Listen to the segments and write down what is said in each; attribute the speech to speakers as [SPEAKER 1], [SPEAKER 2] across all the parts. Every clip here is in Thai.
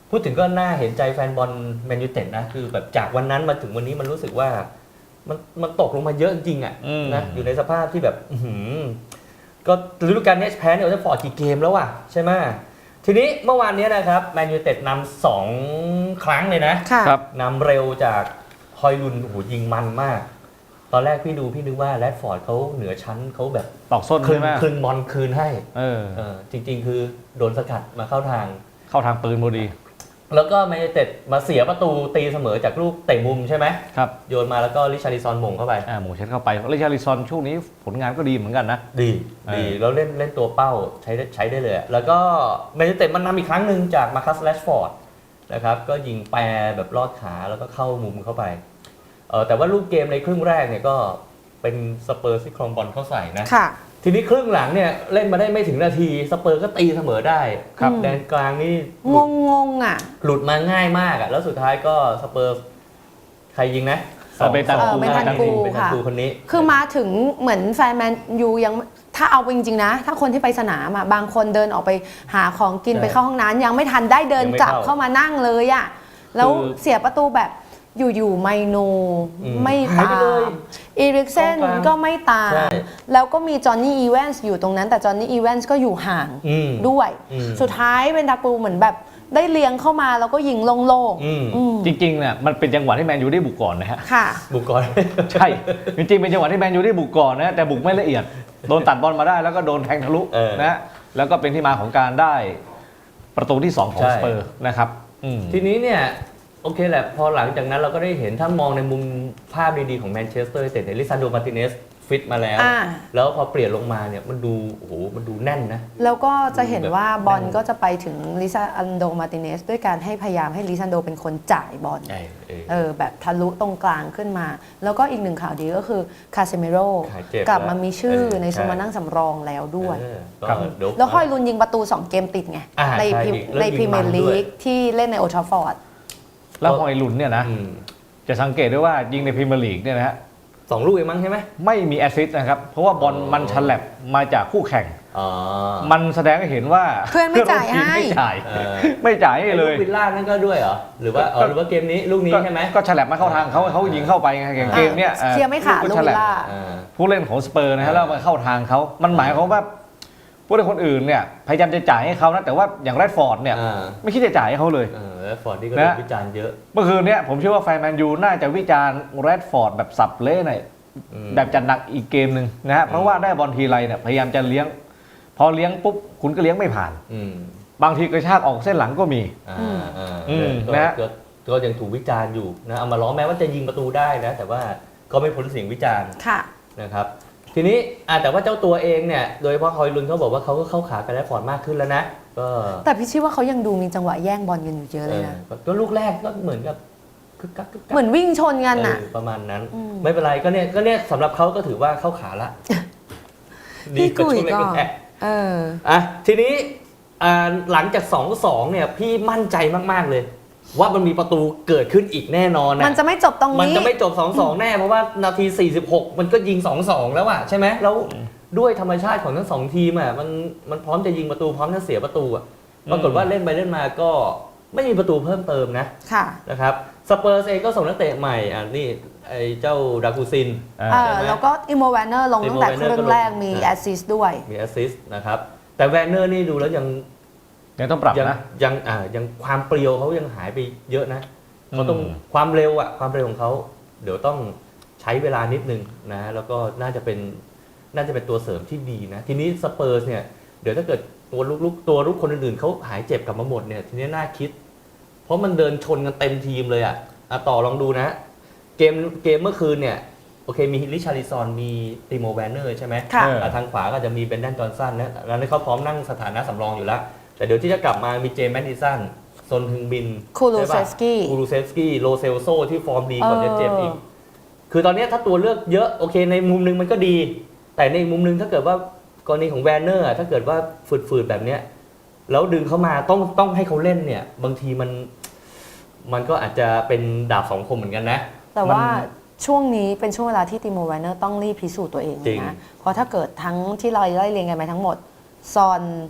[SPEAKER 1] พูดถึงก็น่าเห็นใจแฟนบอลแมนยูเต็ดนะคือแบบจากวันนั้นมาถึงวันนี้มันรู้สึกว่ามันตกลงมาเยอะจริงๆอ่ะนะอยู่ในสภาพที่แบบก็ฤดูกาลนี้แพ้เนี่ยจะฟอร์ดกี่เกมแล้วอ่ะใช่ไหมทีนี้เมื่อวานนี้นะครับแมนยูเต็ดนำ2 ครั้งเลยนะครับนำเร็วจากฮอยลุนโอ้โหยิงมันมากตอนแรกพี่นึกว่าแรดฟอร์ดเขาเหนือชั้นเขาแบบ
[SPEAKER 2] ตอกส้นใช่ไหม
[SPEAKER 1] คืนบอลคืนให้จริงๆคือโดนสกัดมาเข้าทาง
[SPEAKER 2] ปืนพอดี
[SPEAKER 1] แล้วก็แมนยูเต็ดมาเสียประตูตีเสมอจากลูกเตะมุมใช่ไหม
[SPEAKER 2] ครับ
[SPEAKER 1] โยนมาแล้วก็ริชาร์ลิซอนหม่งเข้าไป
[SPEAKER 2] หม่งเช็ดเข้าไปริชาร์ลิซอนช่วงนี้ผลงานก็ดีเหมือนกันนะ
[SPEAKER 1] ดีแล้วเล่นตัวเป้าใช้ได้เลยแล้วก็แมนยูเต็ดมันนำอีกครั้งหนึ่งจากมาคัสแรชฟอร์ดนะครับก็ยิงแปรแบบลอดขาแล้วก็เข้ามุมเข้าไปแต่ว่าลูกเกมในครึ่งแรกเนี่ยก็เป็นสเปอร์ที่ครองบอลเข้าใส่นะทีนี้ครึ่งหลังเนี่ยเล่นมาได้ไม่ถึงนาทีสเปอร์ก็ตีเสมอได้ครับแดนกลางนี่
[SPEAKER 3] งงอ่ะ
[SPEAKER 1] หลุดมาง่ายมากอ่ะแล้วสุดท้ายก็สเปอร์ใครยิงนะ
[SPEAKER 2] เบตัน
[SPEAKER 3] กู
[SPEAKER 1] ค่ะ
[SPEAKER 3] คนนี้คือมาถึงเหมือนแฟนแมนยูยังถ้าเอาจริงๆนะถ้าคนที่ไปสนามอ่ะบางคนเดินออกไปหาของกินไปเข้าห้องน้ำยังไม่ทันได้เดินกลับเข้ามานั่งเลยอ่ะแล้วเสียประตูแบบอยู่ไมโนไม่ตามอีริกเซนก็ไม่ตามแล้วก็มีจอห์นนี่อีแวนส์อยู่ตรงนั้นแต่จอห์นนี่อีแวนส์ก็อยู่ห่างด้วยสุดท้ายเป็นดากูเหมือนแบบได้เลี้ยงเข้ามาแล้วก็ยิงโล่ง
[SPEAKER 2] ๆจริงๆเนี่ยมันเป็นจังหวะที่แมนยูได้บุกก่อนนะฮะ
[SPEAKER 3] ค่ะ
[SPEAKER 1] บุกก่อน
[SPEAKER 2] ใช่จริงๆเป็นจังหวะที่แมนยูได้บุกก่อนนะแต่บุกไม่ละเอียดโดนตัดบอลมาได้แล้วก็โดนแทงทะลุนะแล้วก็เป็นที่มาของการได้ประตูที่2ของสเปอร์นะครับ
[SPEAKER 1] ทีนี้เนี่ยโอเคแหละพอหลังจากนั้นเราก็ได้เห็นถ้ามองในมุมภาพดีๆของแมนเชสเตอร์ยูไนเต็ดลิซานโดมาร์ติเนสฟิตมาแล้วพอเปลี่ยนลงมาเนี่ยมันดูแน่นนะ
[SPEAKER 3] แล้วก็จะเห็นว่าบอลก็จะไปถึงลิซานโดมาร์ติเนสด้วยการให้พยายามให้ลิซานโดเป็นคนจ่ายบอลแบบทะลุตรงกลางขึ้นมาแล้วก็อีกหนึ่งข่าวดีก็คือคาเซเมโร่กลับมามีชื่อในสมานั่งสำรองแล้วด้วยแล้วฮอยลุนยิงประตู2 เกมติดไงในพรีเมียร์ลีกที่เล่นในโอลด์แทราฟฟอร์ด
[SPEAKER 2] แล้วฮอยลุนเนี่ยนะจะสังเกตได้ว่ายิงในพรีเมียร์ลีกเนี่ยนะฮะ
[SPEAKER 1] 2 ลูกเองมั้งใช่ไหม
[SPEAKER 2] ไม่มีแอสซิสต์นะครับเพราะว่าบอลมันฉลับมาจากคู่แข่งมันแสดงให้เห็นว่า
[SPEAKER 3] เพื่อนไม่จ่ายให้
[SPEAKER 2] ไม่จ่ายให้เลย
[SPEAKER 1] วิลล่านั่นก็ด้วยเหรอหรือว่าเกมนี้ลูกนี้ใช่ไหม
[SPEAKER 2] ก็ฉลับมาเข้าทางเขายิงเข้าไปไงเกมเนี้ย
[SPEAKER 3] เชียร์ไม่ขาดลูกวิลล่า
[SPEAKER 2] ผู้เล่นของสเปอร์นะฮะแล้วมาเข้าทางเขามันหมายความว่าผู้เล่นคนอื่นเนี่ยพยายามจะจ่ายให้เขานะแต่ว่าอย่างแรดฟอร์ดเนี่ยไม่คิดจะจ่ายให้เขาเลย
[SPEAKER 1] แรดฟอร์ดนี่ก็โดนวิจารณ์เยอะ
[SPEAKER 2] เมื่อคืนเนี้ยผมเชื่อว่าแฟนแมนยูน่าจะวิจารณ์แรดฟอร์ดแบบสับเละหน่อยแบบจัดหนักอีกเกมหนึ่งนะฮะเพราะว่าได้บอลทีไรเนี่ยพยายามจะเลี้ยงพอเลี้ยงปุ๊บคุณก็เลี้ยงไม่ผ่านบางทีกระชากออกเส้นหลังก็มี
[SPEAKER 1] นะฮะก็ยังถูกวิจารณ์อยู่นะเอามาล้อแม้ว่าจะยิงประตูได้นะแต่ว่าก็ไม่พ้นเสียงวิจารณ์นะครับทีนี้แต่ว่าเจ้าตัวเองเนี่ยโดยเฉพาะฮอยลุนเขาบอกว่าเขาก็เข้าขากับแรดฟอร์ดมากขึ้นแล้วนะก็
[SPEAKER 3] แต่พี่ชี้ว่าเขายังดูมีจังหวะแย่งบอลกันอยู่เยอะเลยนะ
[SPEAKER 1] ก็ลูกแรกก็เหมือนกับ
[SPEAKER 3] เหมือนวิ่งชนกันน่ะ
[SPEAKER 1] ประมาณนั้นไม่เป็นไรก็เนี่ยสำหรับเขาก็ถือว่าเข้าขาละ
[SPEAKER 3] ดีกว่าช่วงแรก
[SPEAKER 1] ทีนี้หลังจาก 2-2 เนี่ยพี่มั่นใจมากๆเลยว่ามันมีประตูเกิดขึ้นอีกแน่นอนนะ
[SPEAKER 3] มันจะไม่จบตรงนี้
[SPEAKER 1] มันจะไม่จบ 2-2 แน่เพราะว่านาที46มันก็ยิง 2-2 แล้วอะใช่ไหมแล้วด้วยธรรมชาติของทั้ง2ทีมอะมันพร้อมจะยิงประตูพร้อมจะเสียประตูอะปรากฏว่าเล่นไปเล่นมาก็ไม่มีประตูเพิ่มเติมนะครับสเปอร์เองก็ส่งนักเตะใหม่นี่ไอ้เจ้าดากูซิน
[SPEAKER 3] แล้วก็อิโมแวนเนอร์ลงตั้งแต่ครึ่งแรกมีแอสซิสต์ด้วย
[SPEAKER 1] มีแอสซิสต์นะครับแต่แวนเนอร์นี่ดูแล้วยัง
[SPEAKER 2] ต้องปรับนะ
[SPEAKER 1] ยังความเปรียวเขายังหายไปเยอะนะเขาต้องความเร็วของเขาเดี๋ยวต้องใช้เวลานิดนึงนะแล้วก็น่าจะเป็นตัวเสริมที่ดีนะทีนี้สเปอร์เนี่ยเดี๋ยวถ้าเกิดตัวลุกคนอื่นๆเขาหายเจ็บกลับมาหมดเนี่ยทีนี้น่าคิดเพราะมันเดินชนกันเต็มทีมเลยต่อลองดูนะเกมเมื่อคืนเนี่ยโอเคมีริชาร์ลิซอนมีติโมแวนเนอร์ใช่ไหมทางขวาก็จะมีเบนแดนจอห์นสันนะแล้วเขาพร้อมนั่งสถานะสำรองอยู่แล้วแต่เดี๋ยวที่จะกลับมามีเจมส์แมดดิสันซนฮึงบิน
[SPEAKER 3] คูรูเซฟส
[SPEAKER 1] กี้โลเซลโซที่ฟอร์มดีก่อนจะเจ็บอีกคือตอนนี้ถ้าตัวเลือกเยอะโอเคในมุมนึงมันก็ดีแต่ในมุมนึงถ้าเกิดว่ากรณีของแวนเนอร์ถ้าเกิดว่าฝืดๆแบบเนี้ยแล้วดึงเข้ามาต้องให้เขาเล่นเนี่ยบางทีมันก็อาจจะเป็นดาบ2 คมเหมือนกันนะ
[SPEAKER 3] แต่ว่าช่วงนี้เป็นช่วงเวลาที่ติโมแวนเนอร์ต้องรีบพิสูจน์ตัวเองนะเพราะถ้าเกิดทั้งที่เราไล่เรียงกันมาทั้งหมดซอน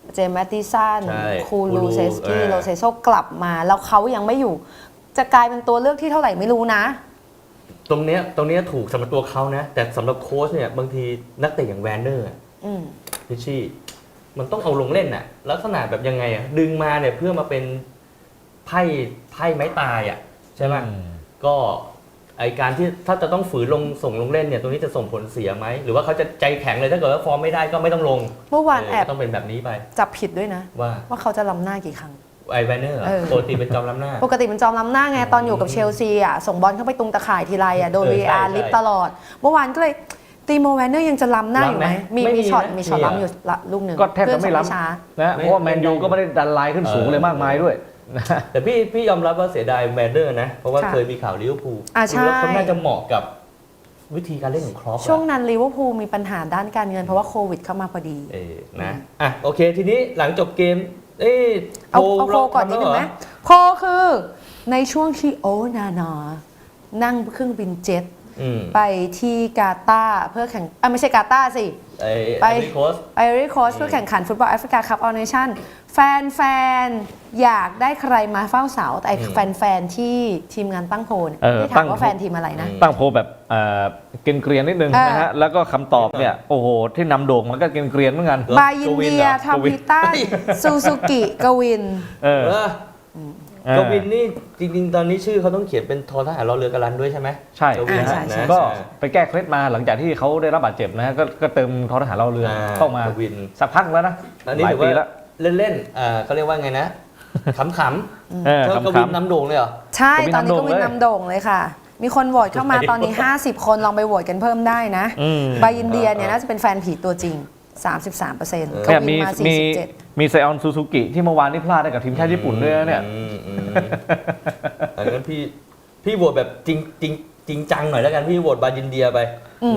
[SPEAKER 3] เจมส์แมตติสัน
[SPEAKER 1] ใช่
[SPEAKER 3] คูลูเซสกี้
[SPEAKER 1] คูลู
[SPEAKER 3] โลเซโซกลับมา แล้วเขายังไม่อยู่ จะกลายเป็นตัวเลือกที่เท่าไหร่ไม่รู้นะ
[SPEAKER 1] ตรงเนี้ยถูกสำหรับตัวเขานะ แต่สำหรับโค้ชเนี่ยบางทีนักเตะอย่างแวนเนอร์
[SPEAKER 3] อืม
[SPEAKER 1] พิชชี่มันต้องเอาลงเล่นน่ะลักษณะแบบยังไงอ่ะดึงมาเนี่ยเพื่อมาเป็นไพ่ไม้ตายอ่ะใช่ไหมก็ไอการที่ถ้าจะต้องฝืนส่งลงเล่นเนี่ยตรงนี้จะส่งผลเสียไหมหรือว่าเขาจะใจแข็งเลยถ้าเกิดว่าฟอร์มไม่ได้ก็ไม่ต้องลง
[SPEAKER 3] เมื่อวานแอบ
[SPEAKER 1] ต้องเป็นแบบนี้ไป
[SPEAKER 3] จับผิดด้วยนะ
[SPEAKER 1] ว่า
[SPEAKER 3] ว่าเขาจะล้ำหน้ากี่ครั้ง
[SPEAKER 1] ไอแวนเนอร์
[SPEAKER 3] เออ
[SPEAKER 1] ปกติเป็นจอมล้ำหน้า
[SPEAKER 3] ปกติเป็นจอมล้ำหน้าไงตอนอยู่กับเชลซีอ่ะส่งบอลเข้าไปตรงตะข่ายทีไรอ่ะโดน
[SPEAKER 1] ใช่
[SPEAKER 3] VAR
[SPEAKER 1] ใช่
[SPEAKER 3] ลิฟตลอด เมื่อวานก็เลยตีโมแวนเนอร์ยังจะล้ำหน้าอยู่ไหม
[SPEAKER 1] ล้ำไหม
[SPEAKER 3] มี
[SPEAKER 1] ไม่มี
[SPEAKER 3] มีช็อต
[SPEAKER 1] นะ
[SPEAKER 3] มีช็อต
[SPEAKER 1] มี
[SPEAKER 3] ล้ำอยู่ลูกหนึ่ง
[SPEAKER 2] ก็แทบจะไม่ล้ำ
[SPEAKER 3] เพื่อนส่งช้า
[SPEAKER 2] นะเพราะว่าแมนยูก็ไม่ได้ดันไลน์ขึ้นสูงเลยมากมายด้วยนะ
[SPEAKER 1] แต่พี่ยอมรับว่าเสียดายแวนเนอร์นะเพราะว่า
[SPEAKER 3] ค่ะ
[SPEAKER 1] เคยมีข่าวลิเวอร์พูล
[SPEAKER 3] อ่าใช่
[SPEAKER 1] แล้วเขาน่าจะเหมาะกับวิธีการเล่นของครอป
[SPEAKER 3] ช่วงนั้นลิเวอร์พูลมีปัญหาด้านการเงินเพราะว่าโควิดเข้ามาพอดี
[SPEAKER 1] นะอ่ะโอเคทีนี้หลังจบเกม
[SPEAKER 3] เอา
[SPEAKER 1] โพล
[SPEAKER 3] โคก่อนนิดนึงไหม
[SPEAKER 1] ทำแล้วเร
[SPEAKER 3] โคคือในช่วงที่โอนานานั่งเครื่องบินเจ็ต
[SPEAKER 1] อืม
[SPEAKER 3] ไปที่กาตาร์เพื่อแข่งไม่ใช่กาตาร์สิ
[SPEAKER 1] ไปโค้ช
[SPEAKER 3] ไปรีโคชเพื่อแข่งขันฟุตบอลแอฟริกาคัพออลเนชั่นแฟนๆ อยากได้ใครมาเฝ้าเสาแต่แฟนๆ ที่ทีมงานตั้งโพลเนี่ย ไม่ถามว่าแฟนทีมอะไรนะ
[SPEAKER 2] ตั้งโพลแบบเกรียนๆนิดนึงนะฮะแล้วก็คำตอบเนี่ยโอ้โหที่นำโด่งมันก็เกรียนๆเหมือนกัน
[SPEAKER 3] บายินเดียทาวิตันซูซูกิกวิน
[SPEAKER 2] เออ
[SPEAKER 1] กวินนี่จริงๆ ตอนนี้ชื่อเขาต้องเขียนเป็นทอทหารรอเรือกรันด้วยใช่ไหม
[SPEAKER 2] ใช่
[SPEAKER 1] กวิน
[SPEAKER 3] ใช่ใช่
[SPEAKER 1] นะ
[SPEAKER 2] ก็ไปแก้เคล็ดมาหลังจากที่เขาได้รับบาดเจ็บนะฮะก็เติมทอทหารเราเรือเข้ามาก
[SPEAKER 1] วิน
[SPEAKER 2] สักพักแล้วนะ
[SPEAKER 1] อันนี้
[SPEAKER 2] หลาย
[SPEAKER 1] ถือ
[SPEAKER 2] ปี
[SPEAKER 1] ว่า
[SPEAKER 2] แล้ว
[SPEAKER 1] เล่นๆเขาเรียกว่าไงนะขำ
[SPEAKER 2] เออ
[SPEAKER 1] ๆเจ้ากวิน
[SPEAKER 2] ขำ
[SPEAKER 1] นำโด่งเลยเหรอ
[SPEAKER 3] ใช่ ตอนนี้กวินนำโด่งเลยค่ะ มีคนโหวตเข้ามา
[SPEAKER 1] ใช่
[SPEAKER 3] ตอนนี้ 50 คนลองไปโหวตกันเพิ่มได้นะ
[SPEAKER 2] อืม
[SPEAKER 3] บายินเดียเนี่ยน่าจะเป็นแฟนผีตัวจริง 33%ก
[SPEAKER 2] เนี่ย
[SPEAKER 3] วินมา
[SPEAKER 2] มีไซออนซูซูกิที่เมื่อวานนี้พลาดได้กับทีมชาติญี่ปุ่นด้วยนะเนี่ย
[SPEAKER 1] อันนั้นพี่โหวตแบบจริงจังหน่อยแล้วกันพี่โหวตบายินเดียไปนะ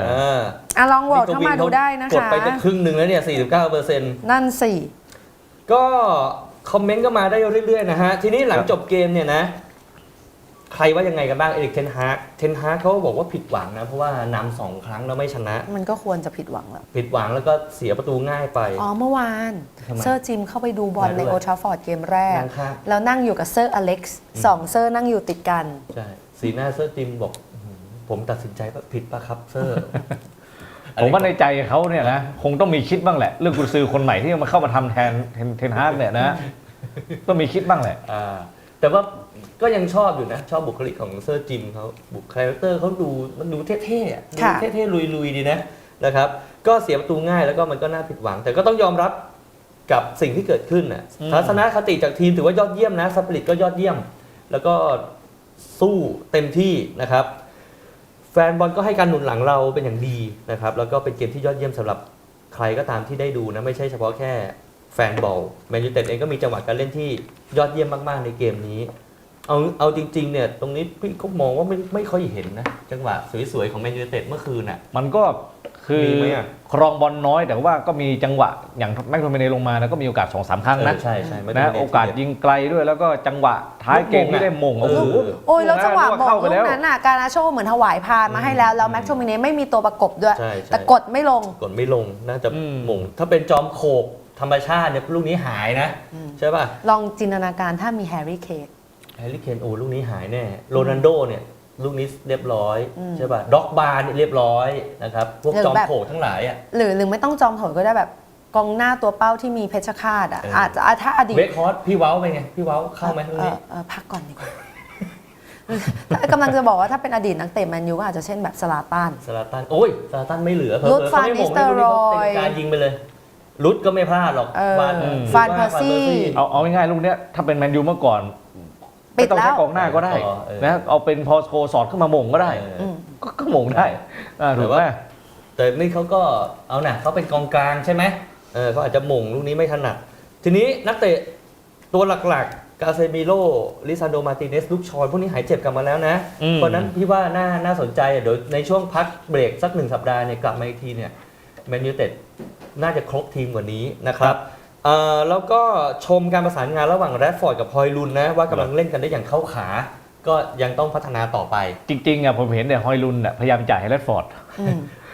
[SPEAKER 3] 47ลองโหวตเข้ามาดูได้นะ
[SPEAKER 1] กด
[SPEAKER 3] คะ
[SPEAKER 1] ไปจะครึ่งหนึ่งแล้วเนี่ย 49%
[SPEAKER 3] นั่นสิ
[SPEAKER 1] ก็คอมเมนต์ก็มาได้เรื่อยๆนะฮะ ทีนี้หลังจบเกมเนี่ยนะ ใครว่ายังไงกันบ้างเอริกเทนฮากเขาบอกว่าผิดหวังนะ เพราะว่านำ2 ครั้งแล้วไม่ชนะ
[SPEAKER 3] มันก็ควรจะผิดหวังแล้ว
[SPEAKER 1] ผิดหวังแล้วก็เสียประตูง่ายไป
[SPEAKER 3] อ๋อเมื่อวาน
[SPEAKER 1] ทำไม
[SPEAKER 3] เซอร์จิมเข้าไปดูบอล
[SPEAKER 1] มาด้วย
[SPEAKER 3] ในโอทราฟอร์ดเกมแรก
[SPEAKER 1] นั่งข้าง
[SPEAKER 3] แล้วนั่งอยู่กับเซอร์อเล็กซ์สองเซอร์นั่งอยู่ติดกัน
[SPEAKER 1] ใช่สีหน้าเซอร์จิมบอกอื้อหือผมตัดสินใจว่าผิดปะครับเซอร์
[SPEAKER 2] ผมว่าในใจเขาเนี่ยนะคงต้องมีคิดบ้างแหละ เรื่องกุญซือคนใหม่ที่มาเข้ามาทำแทนเทนฮากเนี่ยนะต้องมีคิดบ้างแหละ
[SPEAKER 1] แต่ว่าก็ยังชอบอยู่นะ ชอบบุคลิกของเซอร์จิมเขาบุคลิกเตอร์เขามันดูเท่ๆอะดู
[SPEAKER 3] ค่ะ
[SPEAKER 1] เท่ๆลุยๆดีนะครับ ก็เสียประตูง่ายแล้วก็มันก็น่าผิดหวัง แต่ก็ต้องยอมรับกับสิ่งที่เกิดขึ้นน่ะ
[SPEAKER 2] อืม
[SPEAKER 1] ทัศนคติจากทีมถือว่ายอดเยี่ยมนะสปิริตก็ยอดเยี่ยม แล้วก็สู้เต็มที่นะครับ แฟนบอลก็ให้การหนุนหลังเราเป็นอย่างดีนะครับ แล้วก็เป็นเกมที่ยอดเยี่ยมสำหรับใครก็ตามที่ได้ดูนะไม่ใช่เฉพาะแค่แฟนบอลแมนยูไนเต็ดเองก็มีจังหวะการเล่นที่ยอดเยี่ยมมากๆในเกมนี้ เอาจริงๆเนี่ยตรงนี้พี่ก็มองว่าไม่ค่อยเห็นนะจังหวะสวยๆของแมนยูไนเต็ดเมื่อคืนน่ะ
[SPEAKER 2] มันก็คือ
[SPEAKER 1] มีไหมอะ
[SPEAKER 2] ครองบอลน้อยแต่ว่าก็มีจังหวะอย่างแม็กโทมิเนลงมานะก็มีโอกาส 2-3 ครั้งนะ
[SPEAKER 1] ใช่ไม่ต้
[SPEAKER 2] นะ
[SPEAKER 1] งเน้น
[SPEAKER 2] โอกาสยิงไกลด้วยแล้วก็จังหวะท้ายเกมที่ได้มงโอ้โห
[SPEAKER 3] โอ้ยแล้วจังหวะ
[SPEAKER 2] ลูก
[SPEAKER 3] ม
[SPEAKER 2] นั้น
[SPEAKER 3] ง
[SPEAKER 2] เข้าไป
[SPEAKER 3] ลู
[SPEAKER 2] แล้ว
[SPEAKER 3] กนั้นน่ะการนาโชเหมือนถวายพานมาให้แล้วแล้วแม็กโทมิเน่ไม่มีตัวประกบด้วย
[SPEAKER 1] ใช่
[SPEAKER 3] แต่กดไม่ลง
[SPEAKER 1] กดไม่ลงน่าจะหม่งถ้าเป็นจอมโขกธรรมชาติเนี่ยลูกนี้หายนะใช่ป่ะ
[SPEAKER 3] ลองจินตนาการถ้ามีแฮร์รี่เคน
[SPEAKER 1] แฮร์รี่เคนโอ้ลูกนี้หายแน่โรนัลโดเนี่ยลูกนี้เรียบร้อยใช่ป่ะด็อกบาร์เนี่ยเรียบร้อยนะครับพวกจอมโขกทั้งหลายอ่ะ
[SPEAKER 3] หรือไม่ต้องจอมโถยก็ได้แบบกองหน้าตัวเป้าที่มีเพชรฆาตอ่ะ
[SPEAKER 1] เอออ
[SPEAKER 3] อาจจะถ้าอดีต
[SPEAKER 1] เวคฮอสพี่เว้าเป็นไงพี่เว้าเข้าไหมลูกนี้
[SPEAKER 3] พักก่อนดีกว่า กำลังจะบอกว่าถ้าเป็นอดีตนักเตะแมนยูก็อาจจะเช่นแบบสลาตัน
[SPEAKER 1] ซาลาตันโอ้ยซาลาตันไม่เหลือเผลอ
[SPEAKER 3] รุด
[SPEAKER 1] ๆเขาไม่หม่ง
[SPEAKER 3] ฟานนิสเตอร์
[SPEAKER 1] ลูกนี้เขา
[SPEAKER 3] รอย
[SPEAKER 1] เตะการยิงไปเลยรุดก็ไม่พลาดหรอก
[SPEAKER 3] ฟานเพอร์ซี่
[SPEAKER 2] เอาง่ายๆลูกเนี้ยถ้าเป็นแมนยูเมื่อก่อน
[SPEAKER 3] ปิ
[SPEAKER 2] ไม่
[SPEAKER 3] ด
[SPEAKER 2] ต้อง
[SPEAKER 3] แล้
[SPEAKER 2] ใช้
[SPEAKER 3] ว
[SPEAKER 2] กองหน้าก็ได้นะเอาเป็นพอโชสอดขึ้นมาหม่งก็ได้
[SPEAKER 3] ม
[SPEAKER 2] ก็หม่งได้ถูกไหม
[SPEAKER 1] แต่นี่เขาก็เอาหน่ะเขาเป็นกองกลางใช่ไหมเขาอาจจะหม่งลูกนี้ไม่ถนัดทีนี้นักเตะตัวหลักๆกาเซมิโลลิซานโดมาร์ติเนสลูกชอยพวกนี้หายเจ็บกลับมาแล้วนะเพราะนั้นพี่ว่าน่าสนใจเดี๋ยวในช่วงพักเบรกสัก1 สัปดาห์เนี่ยกลับมาอีกทีเนี่ยแมนยูไนเต็ดน่าจะครบทีมกว่านี้นะครับแล้วก็ชมการประสานงานระหว่างแรดฟอร์ดกับฮอยลุนนะว่ากำลังเล่นกันได้อย่างเข้าขา ก็ยังต้องพัฒนาต่อไป
[SPEAKER 2] จริงๆอ่ะผมเห็นเนี่ยฮอยลุนอ่ะพยายามจ่ายให้แรดฟอร์ด
[SPEAKER 3] อืม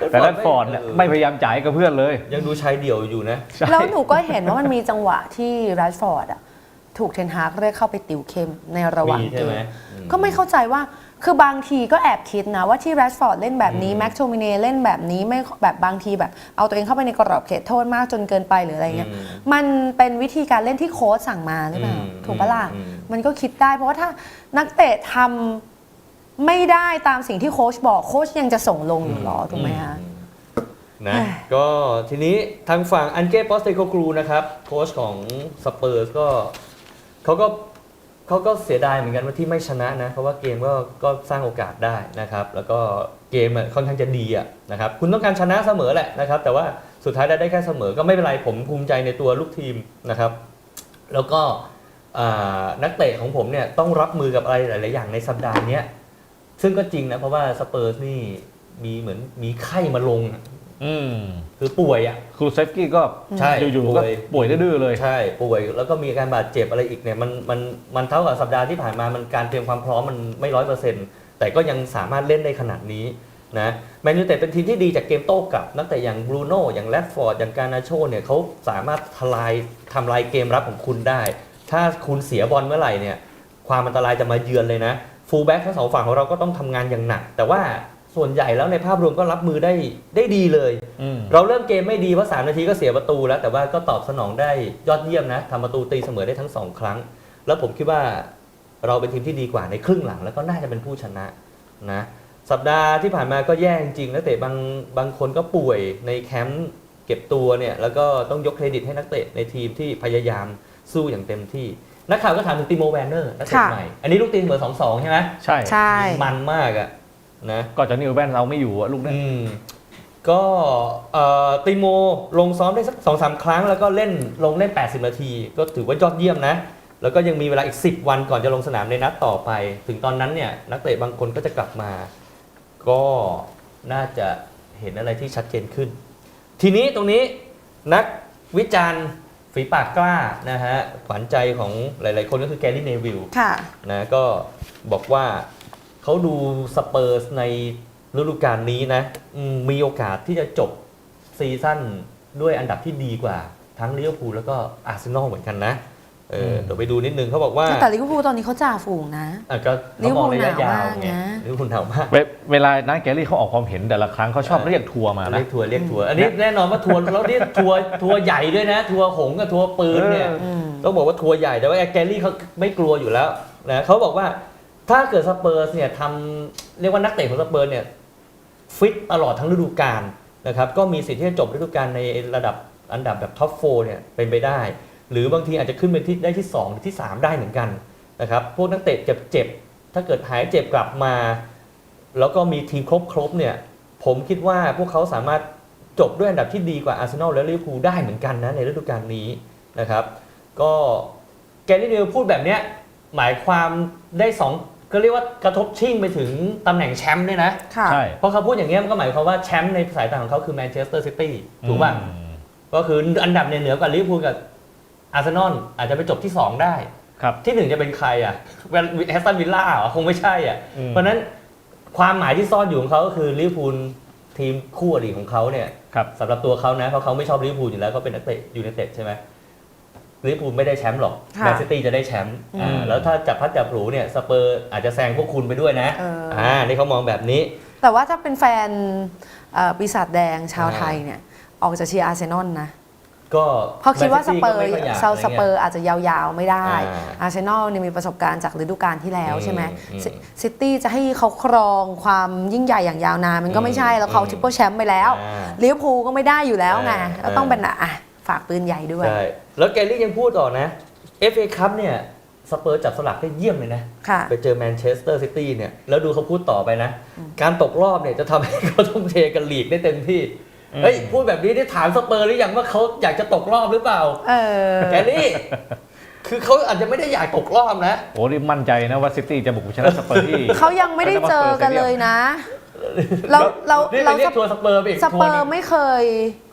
[SPEAKER 2] แต่แรดฟอร์ดเนี่ยไม่พยายามจ่ายกับเพื่อนเลย
[SPEAKER 1] ยังดูชายเดี่ยวอยู่นะ
[SPEAKER 3] แล้วหนูก็เห็นว่ามันมีจังหวะที่แรชฟอร์ดอะถูกเทนฮากเรียกเข้าไปติวเข้มในระหว่าง
[SPEAKER 1] มี
[SPEAKER 3] เก
[SPEAKER 1] ใช่ไหม
[SPEAKER 3] มก็ไม่เข้าใจว่าคือบางทีก็แอบคิดนะว่าที่แรชฟอร์ดเล่นแบบนี้แม็กโทมิเน่เล่นแบบนี้ไม่แบบบางทีแบบเอาตัวเองเข้าไปในกรอบเขตโทษมากจนเกินไปหรืออะไรเงี้ยมันเป็นวิธีการเล่นที่โค้ชสั่งมาหรือเปล่าถูกปะล่ะมันก็คิดได้เพราะว่าถ้านักเตะทำไม่ได้ตามสิ่งที่โค้ชบอกโค้ชยังจะส่งลงอยู่หรอถูกไหมคะ
[SPEAKER 1] นะก็ทีนี้ทางฝั่งอันเก้ ปอสเตโกกรูนะครับโค้ชของสเปอร์สก็เขาก็เสียดายเหมือนกันว่าที่ไม่ชนะนะเพราะว่าเกมก็สร้างโอกาสได้นะครับแล้วก็เกมค่อนข้างจะดีนะครับคุณต้องการชนะเสมอแหละนะครับแต่ว่าสุดท้ายได้แค่เสมอก็ไม่เป็นไรผมภูมิใจในตัวลูกทีมนะครับแล้วก็นักเตะของผมเนี่ยต้องรับมือกับอะไรหลายๆอย่างในสัปดาห์นี้ซึ่งก็จริงนะเพราะว่าสเปอร์สนี่มีเหมือนมีไข้มาลงคือป่วย
[SPEAKER 2] ครูเซฟกี้ก็
[SPEAKER 1] ใช่
[SPEAKER 2] อยู่ๆก็ป่วยดื้อเลย
[SPEAKER 1] ใช่ป่วยแล้วก็มีอาการบาดเจ็บอะไรอีกเนี่ยมันเท่ากับสัปดาห์ที่ผ่านมามันการเตรียมความพร้อมมันไม่100%แต่ก็ยังสามารถเล่นได้ขนาดนี้นะแมนยูแต่เป็นทีมที่ดีจากเกมโต้กลับนักเตะอย่างบรูโน่อย่างแรดฟอร์ดอย่างการนาโชเนี่ยเขาสามารถทำลายเกมรับของคุณได้ ถ้าคุณเสียบอลเมื่อไหร่เนี่ยความอันตรายจะมาเยือนเลยนะฟูลแบ็กทั้งสองฝั่งของเราก็ต้องทำงานอย่างหนักแต่ว่าส่วนใหญ่แล้วในภาพรวมก็รับมือได้ดีเลยเราเริ่มเกมไม่ดีเพราะ3 นาทีก็เสียประตูแล้วแต่ว่าก็ตอบสนองได้ยอดเยี่ยมนะทำประตูตีเสมอได้ทั้ง2 ครั้งแล้วผมคิดว่าเราเป็นทีมที่ดีกว่าในครึ่งหลังแล้วก็น่าจะเป็นผู้ชนะนะสัปดาห์ที่ผ่านมาก็แย่จริงนักเตะบางคนก็ป่วยในแคมป์เก็บตัวเนี่ยแล้วก็ต้องยกเครดิตให้นักเตะในทีมที่พยายามสู้อย่างเต็มที่นักข่าวก็ถามถึงติโมแวนเนอร์นักเตะใหม่อันนี้ลูกตีเสมอ 2-2 ใช่ไหม
[SPEAKER 2] ใช่
[SPEAKER 1] มันมากอะนะ
[SPEAKER 2] ก็จะนิวแบนเราไม่อยู่ลูกนั้น
[SPEAKER 1] ก็ติโมลงซ้อมได้สัก 2-3 ครั้งแล้วก็ลงเล่น80 นาทีก็ถือว่ายอดเยี่ยมนะแล้วก็ยังมีเวลาอีก10 วันก่อนจะลงสนามในนัดต่อไปถึงตอนนั้นเนี่ยนักเตะบางคนก็จะกลับมาก็น่าจะเห็นอะไรที่ชัดเจนขึ้นทีนี้ตรงนี้นักวิจารณ์ฝีปากกล้านะฮะขวัญใจของหลายๆคนก็คือแกรี่เนวิลนะก็บอกว่าเขาดูสเปอร์สในฤดูกาลนี้นะมีโอกาสที่จะจบซีซั่นด้วยอันดับที่ดีกว่าทั้งลิเวอร์พูลแล้วก็อาร์เซนอลเหมือนกันนะเดี๋ยวไปดูนิดนึงเขาบอกว่า
[SPEAKER 3] แต่ลิเวอร์พูลตอนนี้เขาจ่าฝูงนะ
[SPEAKER 1] ก็ลิเวอร์พูลระยะยาวไงลิเวอร์พูลหนาวมาก
[SPEAKER 2] เวลานักแกรี่เขาออกความเห็นแต่ละครั้งเขาชอบเรียกทัวร์มานะ
[SPEAKER 1] เรียกทัวร์อันนี้แน่นอนว่าทัวร์แล้วนี่ทัวร์ใหญ่ด้วยนะทัวร์หงกับทัวร์ปืนเนี่ยต้องบอกว่าทัวร์ใหญ่แต่ว่าแกรี่เขาไม่กลัวอยู่แล้วนะเขาบอกว่าถ้าเกิดสเปอร์สเนี่ยเรียกว่านักเตะของสเปอร์เนี่ยฟิตตลอดทั้งฤดูกาลนะครับก็มีสิทธิ์ที่จะจบฤดูกาลในระดับอันดับแบบท็อป4เนี่ยเป็นไปได้หรือบางทีอาจจะขึ้นไปได้ที่2หรือที่3ได้เหมือนกันนะครับพวกนักเตะเจ็บถ้าเกิดหายเจ็บกลับมาแล้วก็มีทีมครบเนี่ยผมคิดว่าพวกเขาสามารถจบด้วยอันดับที่ดีกว่าอาร์เซนอลและลิเวอร์พูลได้เหมือนกันนะในฤดูกาลนี้นะครับก็แกรี่เนวิลพูดแบบเนี้ยหมายความได้2ก็เรียกว่ากระทบชิ่งไปถึงตำแหน่งแชมป์ด้วยนะ
[SPEAKER 2] ใช่
[SPEAKER 1] เพราะเขาพูดอย่างเงี้ยมันก็หมายความว่าแชมป์ในสายตาของเขาคือแมนเชสเตอร์ซิตี้ถูกป่ะก็คืออันดับเหนือกว่าลิเวอร์พูลกับอาร์เซนอลอาจจะไปจบที่2ได้ที่1จะเป็นใครแอสตันวิลล่าคงไม่ใช่เพราะนั้นความหมายที่ซ่อนอยู่ของเขาก็คือลิเวอร์พูลทีมคู่อริของเขาเนี่ยสำหรับตัวเขานะเพราะเขาไม่ชอบลิเวอร์พูลอยู่แล้วเขาเป็นนักเตะยูไนเต็ดใช่ไหมลิเวอร์พูลไม่ได้แชมป์หรอกแมนซิตี้จะได้แชมป์แล้วถ้าจับพัดจับผูเนี่ยสเปอร์อาจจะแซงพวกคุณไปด้วยนะนี่เขามองแบบนี้
[SPEAKER 3] แต่ว่าถ้าเป็นแฟนปีศาจแดงชาวไทยเนี่ยออกจะเชียร์อาร์เซนอลนะ
[SPEAKER 1] ก็
[SPEAKER 3] เพราะคิดว่าสเปอร์อาจจะยาวๆไม่ได้อาร์เซนอลเนี่ยมีประสบการณ์จากฤดูกาลที่แล้วใช่ไหมซิตี้จะให้เขาครองความยิ่งใหญ่อย่างยาวนานมันก็ไม่ใช่แล้วเขาทริปเปิลแชมป์ไปแล้วลิเวอร์พูลก็ไม่ได้อยู่แล้วไงก็ต้องเป็นฝากปืนใหญ่ด้วย
[SPEAKER 1] ใช่แล้วแกรี่ยังพูดต่อนะ FA คัพเนี่ยสเปอร์จับสลักได้เยี่ยมเลยนะไปเจอแมนเชสเตอร์ซิตี้เนี่ยแล้วดูเขาพูดต่อไปนะการตกรอบเนี่ยจะทำให้เขาทุ่มเทกันลีกได้เต็มที่เฮ้ยพูดแบบนี้ได้ถามสเปอร์หรือยังว่าเขาอยากจะตกรอบหรือเปล่าแกนี่คือเขาอาจจะไม่ได้อยากตกรอบนะ
[SPEAKER 2] โอ้นี่มั่นใจนะว่าซิตี้จะบุกชนะสเปอร์ที่
[SPEAKER 3] เขายังไม่ได้เจอกันเลยนะเรา
[SPEAKER 1] เรียกทัวร์สเปอร์ไปอีก
[SPEAKER 3] สเปอร์ไม่เคย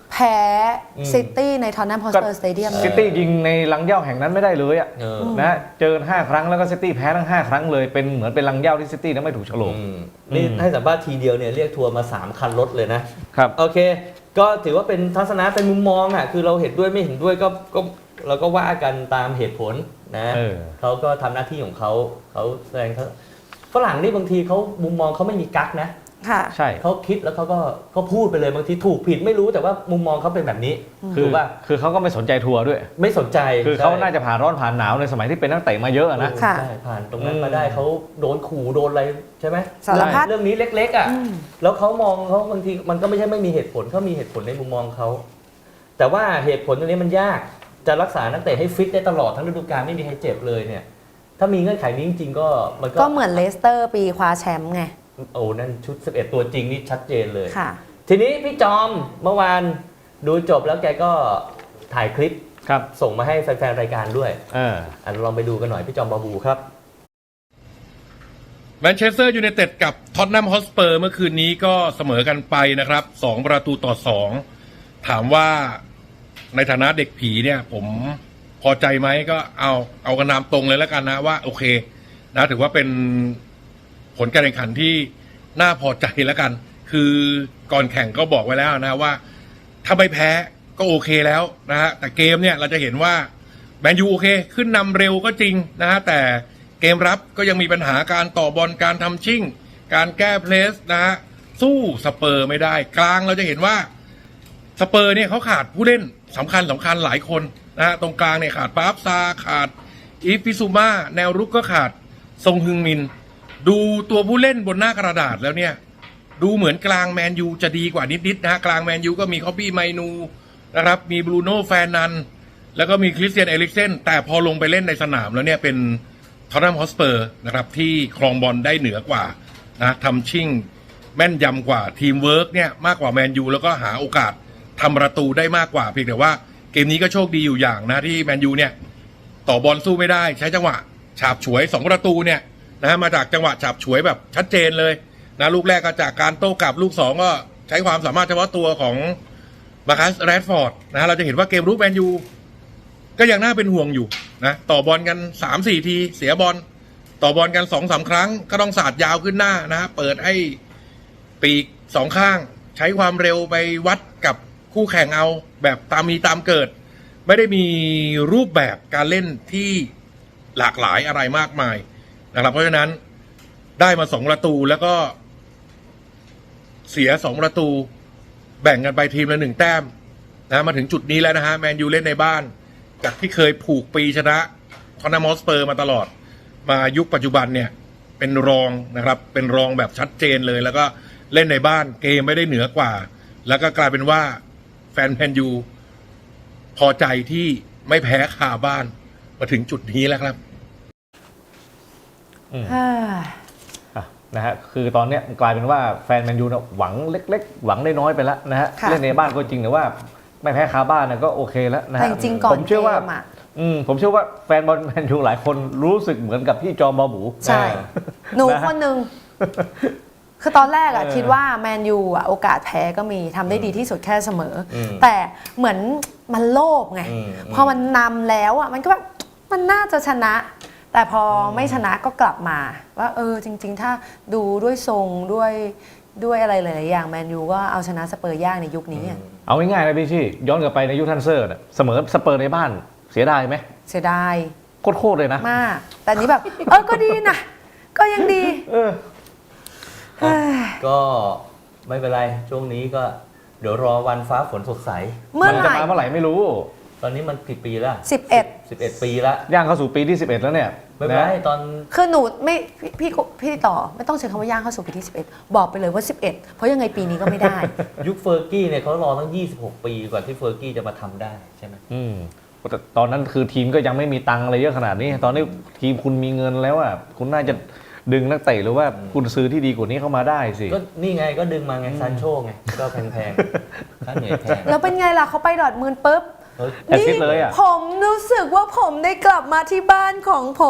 [SPEAKER 3] แพ้ซิตี้ในทอนนัมฮอสเปอร์สเตเดียม
[SPEAKER 2] ซิตี้ยิงในลังเหย้าแห่งนั้นไม่ได้เลยอ่ะ
[SPEAKER 1] เออ
[SPEAKER 2] นะเจอ5 ครั้งแล้วก็ซิตี้แพ้ทั้ง5 ครั้งเลยเป็นเหมือนเป็นลังเหย้าที่ซิตี้นั้นไม่ถูกโฉลก
[SPEAKER 1] นี่ให้สัมภาษณ์ทีเดียวเนี่ยเรียกทัวร์มา3 คันรถเลยนะครับ โอเค ก็ถือว่าเป็นทัศนะเป็นมุมมองอ่ะคือเราเห็นด้วยไม่เห็นด้วยก็เราก็ว่ากันตามเหตุผลนะ เขาก็ทำหน้าที่ของเขาแสดงเขาฝรั่งนี่บางทีเขามุมมองเขาไม่มีกั๊กนะ
[SPEAKER 3] ค่ะ
[SPEAKER 2] ใช่
[SPEAKER 1] เขาคิดแล้วเขาก็พูดไปเลยบางทีถูกผิดไม่รู้แต่ว่ามุมมองเขาเป็นแบบนี้
[SPEAKER 2] คือเขาก็ไม่สนใจทัวร์ด้วย
[SPEAKER 1] ไม่สนใจ
[SPEAKER 2] คือเขาน่าจะผ่านร้อนผ่านหนาวในสมัยที่เป็นนักเตะมาเยอะนะ
[SPEAKER 3] ค่ะ
[SPEAKER 1] ใช่ผ่านตรงนั้นมาได้เขาโดนขู่โดนอะไรใช่ไหม
[SPEAKER 3] สารพัด
[SPEAKER 1] เรื่องนี้เล็กๆอ่ะแล้วเขามองเขาบางทีมันก็ไม่ใช่ไม่มีเหตุผลเขามีเหตุผลในมุมมองเขาแต่ว่าเหตุผลตรงนี้มันยากจะรักษานักเตะให้ฟิตได้ตลอดทั้งฤดูกาลไม่มีใครเจ็บเลยเนี่ยถ้ามีเงื่อนไขนี้จริงๆก็มันก็
[SPEAKER 3] ก็เหมือนเลสเตอร์ปีคว้าแชมป์ไง
[SPEAKER 1] โอ้นั่นชุด11ตัวจริงนี่ชัดเจนเลย
[SPEAKER 3] ค่ะ
[SPEAKER 1] ทีนี้พี่จอมเมื่อวานดูจบแล้วแกก็ถ่ายคลิป
[SPEAKER 2] ครับ
[SPEAKER 1] ส่งมาให้แฟนๆรายการด้วย ลองไปดูกันหน่อยพี่จอมบาบูครับ
[SPEAKER 4] แมนเชสเตอร์ยูไนเต็ดกับท็อตแนมฮอตสเปอร์เมื่อคืนนี้ก็เสมอกันไปนะครับ2-2ถามว่าในฐานะเด็กผีเนี่ยผมพอใจไหมก็เอากันนามตรงเลยแล้วกันนะว่าโอเคนะถือว่าเป็นผลการแข่งขันที่น่าพอใจแล้วกัน คือก่อนแข่งก็บอกไว้แล้วนะว่าถ้าไม่แพ้ก็โอเคแล้วนะฮะแต่เกมเนี่ยเราจะเห็นว่าแมนยูโอเคขึ้นนำเร็วก็จริงนะฮะแต่เกมรับก็ยังมีปัญหาการต่อบอลการทำชิ่งการแก้เพลสนะฮะสู้สเปอร์ไม่ได้กลางเราจะเห็นว่าสเปอร์เนี่ยเขาขาดผู้เล่นสำคัญหลายคนนะฮะตรงกลางเนี่ยขาดปาฟซาขาดอีฟฟิซูมาแนวรุกก็ขาดซงฮึงมินดูตัวผู้เล่นบนหน้ากระดาษแล้วเนี่ยดูเหมือนกลางแมนยูจะดีกว่านิดๆนะฮะกลางแมนยูก็มีคอปปี้ไมนูนะครับมีบรูโน่แฟนนันแล้วก็มีคริสเตียนเอริกเซนแต่พอลงไปเล่นในสนามแล้วเนี่ยเป็นท็อตแนมฮอตสเปอร์นะครับที่ครองบอลได้เหนือกว่านะทำชิ่งแม่นยำกว่าทีมเวิร์กเนี่ยมากกว่าแมนยูแล้วก็หาโอกาสทำประตูได้มากกว่าเพียงแต่ว่าเกมนี้ก็โชคดีอยู่อย่างนะที่แมนยูเนี่ยต่อบอลสู้ไม่ได้ใช้จังหวะฉาบฉวย2 ประตูเนี่ยนะมาจากจังหวะฉาบฉวยแบบชัดเจนเลยนะลูกแรกก็จากการโต้กลับลูก2ก็ใช้ความสามารถเฉพาะตัวของมาคัสแรดฟอร์ดนะเราจะเห็นว่าเกมรุกแมนยูก็ยังน่าเป็นห่วงอยู่นะต่อบอลกัน 3-4 ทีเสียบอลต่อบอลกัน 2-3 ครั้งก็ต้องสาดยาวขึ้นหน้านะเปิดให้ปีก2 ข้างใช้ความเร็วไปวัดกับคู่แข่งเอาแบบตามมีตามเกิดไม่ได้มีรูปแบบการเล่นที่หลากหลายอะไรมากมายนะครับเพราะฉะนั้นได้มา2 ประตูแล้วก็เสีย2 ประตูแบ่งกันไปทีมละ1 แต้มนะมาถึงจุดนี้แล้วนะฮะแมนยูเล่นในบ้านจากที่เคยผูกปีชนะท็อตแนมฮอตสเปอร์มาตลอดมายุคปัจจุบันเนี่ยเป็นรองนะครับเป็นรองแบบชัดเจนเลยแล้วก็เล่นในบ้านเกมไม่ได้เหนือกว่าแล้วก็กลายเป็นว่าแฟนแมนยูพอใจที่ไม่แพ้คาบ้านมาถึงจุดนี้แล้วครับ
[SPEAKER 2] นะฮะคือตอนเนี้ยกลายเป็นว่าแฟนแมนยูเนี่ยหวังเล็กๆหวังได้น้อยไปแล้วนะฮะ
[SPEAKER 3] ค่ะ
[SPEAKER 2] เล่นในบ้านก็จริงแต่ว่าไม่แพ้คาบ้านเนี่ยก็โอเคแล้วนะ
[SPEAKER 3] แต่
[SPEAKER 2] ฮะ
[SPEAKER 3] จริงๆก่อน
[SPEAKER 2] ผมเชื่อว่า
[SPEAKER 3] เกมอะ
[SPEAKER 2] ผมเชื่อว่าแฟนบอลแมนยูหลายคนรู้สึกเหมือนกับพี่จอมบาบู
[SPEAKER 3] ใช่ หนู
[SPEAKER 2] นะฮะ
[SPEAKER 3] คนหนึ่งคือตอนแรกอะ
[SPEAKER 2] เออ
[SPEAKER 3] คิดว่าแมนยูอะโอกาสแพ้ก็มีทำได้ดีที่สุดแค่เสมออ
[SPEAKER 1] ม
[SPEAKER 3] แต่เหมือนมันโลภไง
[SPEAKER 1] อืม
[SPEAKER 3] พอมันนำแล้วอะมันก็แบบมันน่าจะชนะ แต่พอไม่ชนะก็กลับมา ว่าจริง ๆ ถ้าดูด้วยทรงด้วยอะไรหลายๆอย่างแมนยูก็เอาชนะสเปอร์ยากในยุคนี้อะ
[SPEAKER 2] เอาง่ายๆนะพี่ชี่ย้อนกลับไปในยุคทันเซอร์เนี่ยเสมอสเปอร์ในบ้านเสียดายไหม
[SPEAKER 3] เสียดาย
[SPEAKER 2] โคตรเลยนะ
[SPEAKER 3] มาก แต่นี้แบบ ก็ดีนะ ก็ยังดี
[SPEAKER 2] เออ
[SPEAKER 1] ก็ไม่เป็นไรช่วงนี้ก็เดี๋ยวรอวันฟ้าฝนสดใส
[SPEAKER 3] เมื่อ
[SPEAKER 2] มัน
[SPEAKER 3] ไห
[SPEAKER 2] จะ
[SPEAKER 3] ร่
[SPEAKER 2] มาเมื่อไหร่ไม่รู้
[SPEAKER 1] ตอนนี้มันกี่ปีแล้ว
[SPEAKER 3] 11
[SPEAKER 1] ปีแล้ว
[SPEAKER 2] ย่างเข้าสู่ปีที่ 11 แล้วเนี่ย
[SPEAKER 1] ไม่เป็นไร
[SPEAKER 2] นะ
[SPEAKER 1] ตอน
[SPEAKER 3] คือหนูไม่พี่ต่อไม่ต้องใช้คำว่าย่างเข้าสู่ปีที่ 11 บอกไปเลยว่า 11 เพราะยังไงปีนี้ก็ไม่ได้
[SPEAKER 1] ยุคเฟอร์กี้เนี่ยเขารอตั้ง26 ปีกว่าที่เฟอร์กี้จะมาทำได้ใช่ไหม
[SPEAKER 2] แต่ตอนนั้นคือทีมก็ยังไม่มีตังค์อะไรเยอะขนาดนี้ ตอนนี้ทีมคุณมีเงินแล้วอ่ะคุณน่าจะดึงนักเตะหรือว่าคุณซื้อที่ดีกว่านี้เข้ามาได้สิ
[SPEAKER 1] ก็นี่ไงก็ดึงมาไงซานโชไงก็แพงๆค่าเหนื่อยแพง
[SPEAKER 3] แล้วเป็นไงล่ะเขาไปดอร์ทมุนด์ปุ๊บ
[SPEAKER 1] เฮ้ย
[SPEAKER 2] แอสซิสต์เลยอะ
[SPEAKER 3] ผมรู้สึกว่าผมได้กลับมาที่บ้านของผม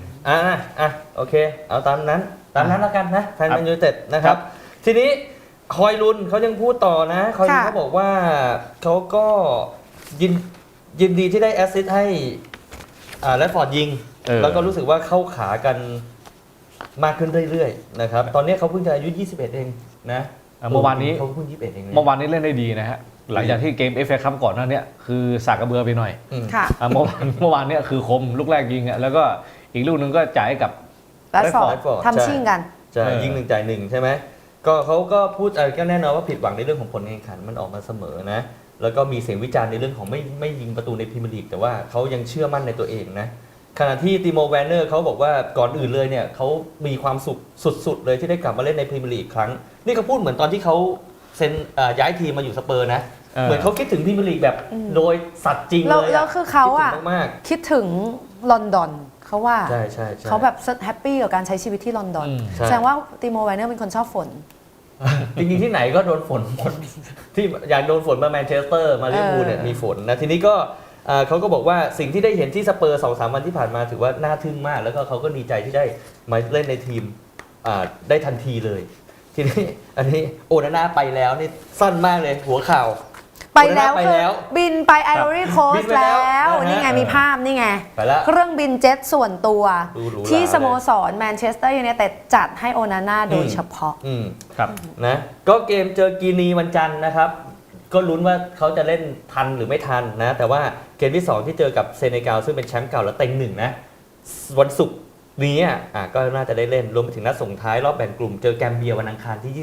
[SPEAKER 1] โอเค เอาตามนั้นแล้วกันนะแฟนแมนยูเต็ดนะครับ ทีนี้คอยลุนเขายังพูดต่อนะคอยลุน
[SPEAKER 3] ค่ะ
[SPEAKER 1] เขาบอกว่าเขาก็ยินดีที่ได้แอสซิสต์ให้แรดฟอร์ดยิง แล้วก็รู้สึกว่าเข้าขากันมากขึ้นเรื่อยๆนะครับตอนนี้เขาเพิ่งจะอายุ 21 เองนะ
[SPEAKER 2] เมื่อวานนี้
[SPEAKER 1] เขาเพิ่ง 21 เองนะ
[SPEAKER 2] เมื่อวานนี้เล่นได้ดีนะฮะหลังจากที่เกม FA คัพก่อนหน้าเนี้ยคือสากกระเบือไปหน่อย
[SPEAKER 3] ค่ะ
[SPEAKER 2] เมื่อวานเนี้ยคือคมลูกแรกยิงอ่ะแล้วก็อีกลูกหนึงก็จ่ายให้กับ
[SPEAKER 3] แรดฟอร์ด
[SPEAKER 1] Rashford
[SPEAKER 3] ทำชิ่งกัน
[SPEAKER 1] ใช่
[SPEAKER 2] เออ
[SPEAKER 1] ยิง1 จ่าย 1ใช่ไหมก็เขาก็พูดก็แน่นอนว่าผิดหวังในเรื่องของผลการแข่งขันมันออกมาเสมอนะแล้วก็มีเสียงวิจารณ์ในเรื่องของไม่ยิงประตูในพรีเมียร์ลีกแต่ว่าเขายังเชื่อมั่นในตัวเองนะขณะที่ติโมแวนเนอร์เขาบอกว่าก่อนอื่นเลยเนี่ยเขามีความสุขสุดๆเลยที่ได้กลับมาเล่นในพรีเมียร์ลีกอีกครั้งนี่เขาพูดเหมือนตอนที่เขาเซ็นย้ายทีมมาอยู่สเปอร์นะเหมือนเขาคิดถึงพรีเมียร์ลีกแบบโดยสัตว์จริงเลย
[SPEAKER 3] แล้วคือเขาอะ
[SPEAKER 1] คิดถึงมาก
[SPEAKER 3] คิดถึงลอนดอนเขาว่า
[SPEAKER 1] ๆใช่ใช่
[SPEAKER 3] เขาแบบแฮปปี้กับการใช้ชีวิตที่ลอนดอน
[SPEAKER 1] ใช่
[SPEAKER 3] แสดงว่าติโมไวเนอร์เป็นคนชอบฝน
[SPEAKER 1] จริงๆที่ไหนก็โดนฝนหมดที่อยากโดนฝนมาแมนเชสเตอร์มาลิเวอร์พูลเนี่ยมีฝนนะทีนี้ก็เขาก็บอกว่าสิ่งที่ได้เห็นที่สเปอร์ 2-3 วันที่ผ่านมาถือว่าน่าทึ่งมาก แล้วก็เขาก็ดีใจที่ได้มาเล่นในทีมได้ทันทีเลย ทีนี้อันนี้โอนาน่าไปแล้วนี่สั้นมากเลยหัวข่าว
[SPEAKER 3] ไปแล้ว
[SPEAKER 1] ไป
[SPEAKER 3] คือ
[SPEAKER 1] แล้ว
[SPEAKER 3] บินไปไอรอรี่โค
[SPEAKER 1] บิ
[SPEAKER 3] ส
[SPEAKER 1] นไปแล้
[SPEAKER 3] แล้ว ว นี่ไงมีภาพนี่ไง
[SPEAKER 1] ไปแล้ว
[SPEAKER 3] เครื่องบินเจ็ตส่วนตัว
[SPEAKER 1] ดูหรูหรา
[SPEAKER 3] ที่สโมสรแมนเชสเตอร์ยูไนเต็ดจัดให้โอนาน่าโดยเฉพาะ
[SPEAKER 2] ครับ
[SPEAKER 1] นะก็เกมเจอกีนีวันจันทร์นะครับ ก็ลุ้นว่าเขาจะเล่นทันหรือไม่ทันนะ แต่ว่าเกมที่ 2 ที่เจอกับเซเนกัลซึ่งเป็นแชมป์เก่าและเต็งหนึ่งนะ วันศุกร์นี้ก็น่าจะได้เล่นรวมไปถึงนัดส่งท้ายรอบแบ่งกลุ่มเจอแกมเบียวันอังคารที่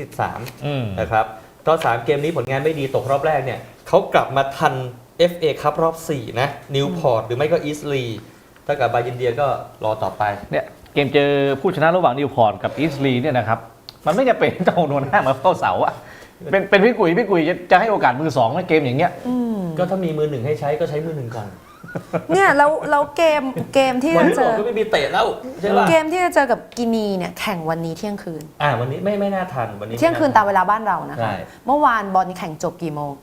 [SPEAKER 1] 23 นะครับตอน3เกมนี้ผลงานไม่ดีตกรอบแรกเนี่ยเขากลับมาทัน FA คัพรอบ 4 นะนิวพอร์ตหรือไม่ก็อีสลีถ้ากับบายินเดียก็รอต่อไป
[SPEAKER 2] เนี่ยเกมเจอผู้ชนะระหว่างนิวพอร์ตกับอีสลีเนี่ยนะครับมันไม่จะเป็นเจ้าโนนห้ามาเข้าเสาอะเป็นพี่กุยจะให้โอกาสมือสองในเกมอย่างเงี้ย
[SPEAKER 1] ก็ถ้ามีมือหนึ่งให้ใช้ก็ใช้มือหนึ่งก่อน
[SPEAKER 3] เนี่ยแล้วเกมที่
[SPEAKER 1] วัน
[SPEAKER 3] จะ
[SPEAKER 1] ที่
[SPEAKER 3] เจ
[SPEAKER 1] บอก
[SPEAKER 3] อ
[SPEAKER 1] ก็ไม่มีเตะแล้วใช่ป่ะ
[SPEAKER 3] เกมที่จะเจอกับกินีเนี่ยแข่งวันนี้เที่ยงคืน
[SPEAKER 1] วันนี้ไม่น่าทันวันนี้
[SPEAKER 3] เที่ยงคืนตามเวลาบ้านเรานะ
[SPEAKER 1] ใช่
[SPEAKER 3] คะ เมื่อวานบอลแข่งจบกี่โมง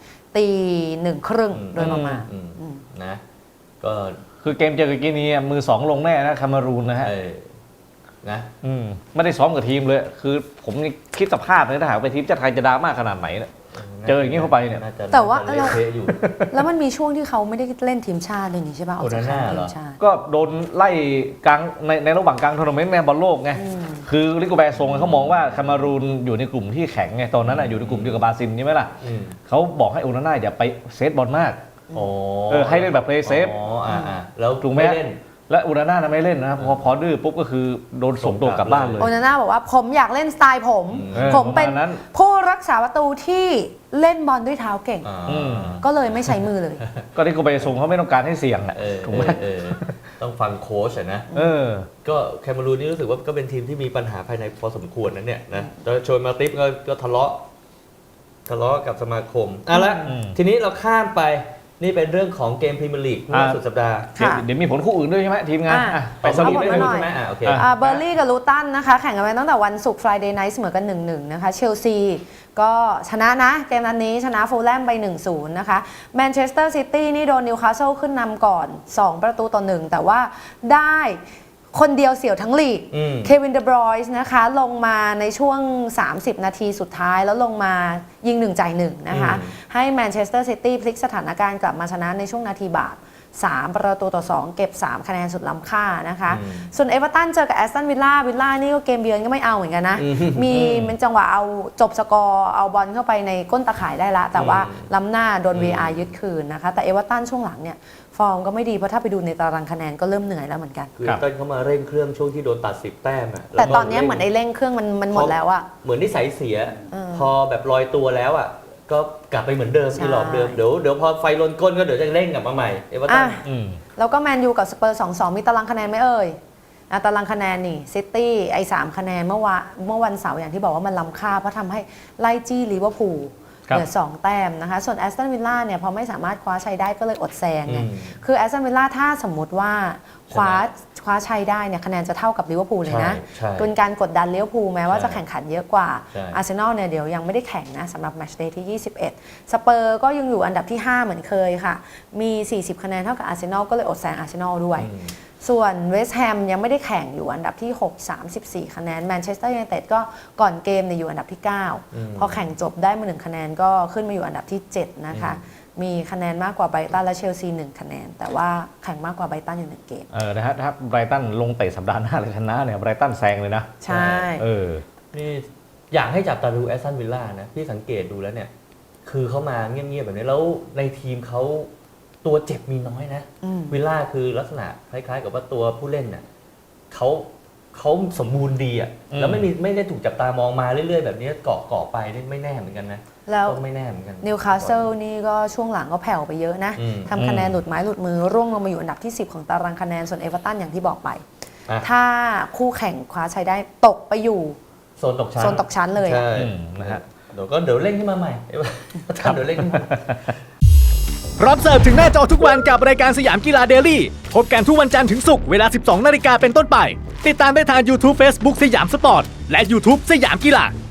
[SPEAKER 3] 1:30 โดยประมาณ
[SPEAKER 1] นะก็
[SPEAKER 2] คือเกมเจอกับกินีอะมือสองลงแน่นะคาเมารูนนะฮะ
[SPEAKER 1] นะ
[SPEAKER 2] ไม่ได้ซ้อมกับทีมเลย คือผมนี่คิดสภาพเลยถ้าหากไปทีมชาติไทยจะดราม่าขนาดไหนเนี่ย เจออย่างนี้เข้าไปเนี่ย
[SPEAKER 3] แต่ว่า
[SPEAKER 1] น่จะเละเทะอยู่
[SPEAKER 3] แล้วมันมีช่วงที่เขาไม่ได้เล่นทีมชาติเลยนี่ใช่ป่ะออกจาก
[SPEAKER 1] โอนาน่า
[SPEAKER 3] ที
[SPEAKER 1] เหร
[SPEAKER 3] ม
[SPEAKER 1] อ
[SPEAKER 3] ชาติ
[SPEAKER 2] ก็โดนไล่กลางในระหว่างกลางทัวร์นาเมนต์แมนบอลโลกไง คือลิโกแบร์ทรงเขามองว่าคาเมารูนอยู่ในกลุ่มที่แข็งไงตอนนั้นอยู่ในกลุ่มเดียวกับบราซิลใช่ไหมล่ะ
[SPEAKER 1] อืม
[SPEAKER 2] เขาบอกให้โอนาน่าอย่าไปเซฟบอลมาก
[SPEAKER 1] อ๋อ
[SPEAKER 2] ให้เล่นแบบ play safe
[SPEAKER 1] แล้ว
[SPEAKER 2] ถูกไหม
[SPEAKER 1] ไม่เล่น
[SPEAKER 2] และโอนาน่าไม่เล่นนะพอดื้อปุ๊บก็คือโดนส่งตัวกลับบ้านเลย
[SPEAKER 3] โอนาน่าบอกว่าผมอยากเล่นสไตล์ผม
[SPEAKER 2] เออ
[SPEAKER 3] ผมเป็น
[SPEAKER 2] ประมาณนั้น
[SPEAKER 3] ผู้รักษาประตูที่เล่นบอลด้วยเท้าเก่ง ก็เลยไม่ใช้มือเลย
[SPEAKER 2] ก็ลิโกแบร์ทรงเขาไม่ต้องการให้เสี่ยงอ่ะ ถูกไหม
[SPEAKER 1] ต้องฟังโค้ชนะ ก็แคเมารูนนี่รู้สึกว่าก็เป็นทีมที่มีปัญหาภายในพอสมควรนะเนี่ยนะโดยโชยมาติฟก็ทะเลาะกับสมาคมละ ทีนี้เราข้ามไปนี่เป็นเรื่องของเกมพรีเมียร์ลีกเมื่อสุดสัปดาห์
[SPEAKER 3] ค่ะ
[SPEAKER 2] เดี๋ยวมีผลคู่อื่นด้วยใช่ไหมทีมงาน ไปสรุป
[SPEAKER 3] เอาหมด
[SPEAKER 2] ได้
[SPEAKER 3] มา
[SPEAKER 2] เล
[SPEAKER 3] หน่อย
[SPEAKER 2] ย
[SPEAKER 1] ใช่ไหมโอเค
[SPEAKER 3] เบอร์ลี่กับลูตันนะคะ แข่งกันไปตั้งแต่วันศุกร์ Friday Night เสมอกัน 1-1 นะคะเชลซีก็ชนะนะเกมนัดนี้ชนะฟูลแลมไป 1-0 นะคะแมนเชสเตอร์ซิตี้นี่โดนนิวคาสเซิลขึ้นนำก่อน 2-1 แต่ว่าได้คนเดียวเสี่ยวทั้งลีกเควินเดบรอยส์นะคะลงมาในช่วง 30 นาทีสุดท้ายแล้วลงมายิง1จ่าย1นะคะให้แมนเชสเตอร์ซิตี้พลิกสถานการณ์กลับมาชนะในช่วงนาทีบาป3-2 เก็บ 3 คะแนนสุดล้ำค่านะคะส่วนเอเวอร์ตันเจอกับแอสตันวิลล่านี่ก็เกมเยือนก็ไม่เอาเหมือนกันนะมีเป็นจังหวะเอาจบสกอร์เอาบอลเข้าไปในก้นตะข่ายได้ละแต่ว่าล้ำหน้าโดน VR ยึดคืนนะคะแต่เอเวอร์ตันช่วงหลังเนี่ยฟอร์มก็ไม่ดีเพราะถ้าไปดูในตารางคะแนนก็เริ่มเหนื่อยแล้วเหมือนกัน
[SPEAKER 1] คือเต้นเขามาเร่งเครื่องช่วงที่โดนตัด10 แต้ม
[SPEAKER 3] แต่ตอนนี้เหมือนไอ้เร่งเครื่องมันหมดแล้วอะ
[SPEAKER 1] เหมือนนิสัยเสีย พอแบบลอยตัวแล้วก็กลับไปเหมือนเดิม
[SPEAKER 3] ใช่
[SPEAKER 1] ที่หลอกเดิมเดี๋ยวพอไฟลนก้นก็เดี๋ยวจะเร่งกลับมาใหม่เอเวอร์ตัน
[SPEAKER 3] แล้วก็แมนยูกับสเปอร์ 2-2 มีตารางคะแนนไหมเอ่ยตารางคะแนนนี่ซิตี้ไอ้3คะแนนเมื่อวันเสาร์อย่างที่บอกว่ามันล้ำค่าเพราะทำให้ไล่จี้ลิเวอร์พูลเหลือ2 แต้มนะคะส่วนแอสตันวิลล่าเนี่ยพอไม่สามารถคว้าชัยได้ก็เลยอดแซงไงคือแอสตันวิลล่าถ้าสมมติว่าคว้าชัยได้เนี่ยคะแนนจะเท่ากับลิเวอร์พูลเลยนะ
[SPEAKER 1] ใช่
[SPEAKER 3] เป็นการกดดันลิเวอร์พูลแม้ว่าจะแข่งขันเยอะกว่า
[SPEAKER 1] ใช่
[SPEAKER 3] อาร์เซนอลเนี่ยเดี๋ยวยังไม่ได้แข่งนะสำหรับแมตช์เดย์ที่ 21 สเปอร์ก็ยังอยู่อันดับที่ 5 เหมือนเคยค่ะมี40 คะแนนเท่ากับอาร์เซนอลก็เลยอดแซงอาร์เซนอลด้วยส่วนเวสต์แฮมยังไม่ได้แข่งอยู่อันดับที่ 6 34 คะแนนแมนเชสเตอร์ยูไนเต็ดก็ก่อนเกมเนี่ยอยู่อันดับที่ 9 พอแข่งจบได้มา1คะแนนก็ขึ้นมาอยู่อันดับที่ 7 นะคะ มีคะแนนมากกว่าไบรตันและเชลซี1คะแนนแต่ว่าแข่งมากกว่าไบรตันอยู่1เกม
[SPEAKER 2] นะฮะถ้าไบรตันลงเตะสัปดาห์หน้าเลยชนะเนี่ยไบรตันแซงเลยนะ
[SPEAKER 3] ใช่
[SPEAKER 1] นี่อยากให้จับตาดูแอสตันวิลล่านะพี่สังเกตดูแล้วเนี่ยคือเขามาเงียบๆแบบนี้แล้วในทีมเขาตัวเจ็บมีน้อยนะวิลล่าคือลักษณะคล้ายๆกับว่าตัวผู้เล่นเนี่ยเขาสมบูรณ์ดีอ่ะแล้วไม่ได้ถูกจับตามองมาเรื่อยๆแบบนี้เกาะไปนี่ไม่แน่เหมือนกันนะ
[SPEAKER 3] แล้ว
[SPEAKER 1] ไม่แน่เหมือนกัน
[SPEAKER 3] นิวคาสเซิลนี่ก็ช่วงหลังก็แผ่วไปเยอะนะทำคะแนนหลุดไม้หลุดมือร่วงลงมาอยู่อันดับที่ 10 ของตารางคะแนนส่วนเอเวอร์ตันอย่างที่บอกไปถ้าคู่แข่งคว้าชัยได้ตกไปอยู่
[SPEAKER 1] โซนตกชั้น
[SPEAKER 3] เลย
[SPEAKER 1] ใช่นะฮะเดี๋ยวเล่นขึ้นมาใหม่เดี๋ยวเล่นขึ้นมา
[SPEAKER 5] พร้อมเสิร์ฟถึงหน้าจอทุกวันกับรายการสยามกีฬาเดลี่พบกันทุกวันจันทร์ถึงศุกร์เวลา 12 นาฬิกาเป็นต้นไปติดตามได้ทาง YouTube Facebook สยามสปอร์ตและ YouTube สยามกีฬา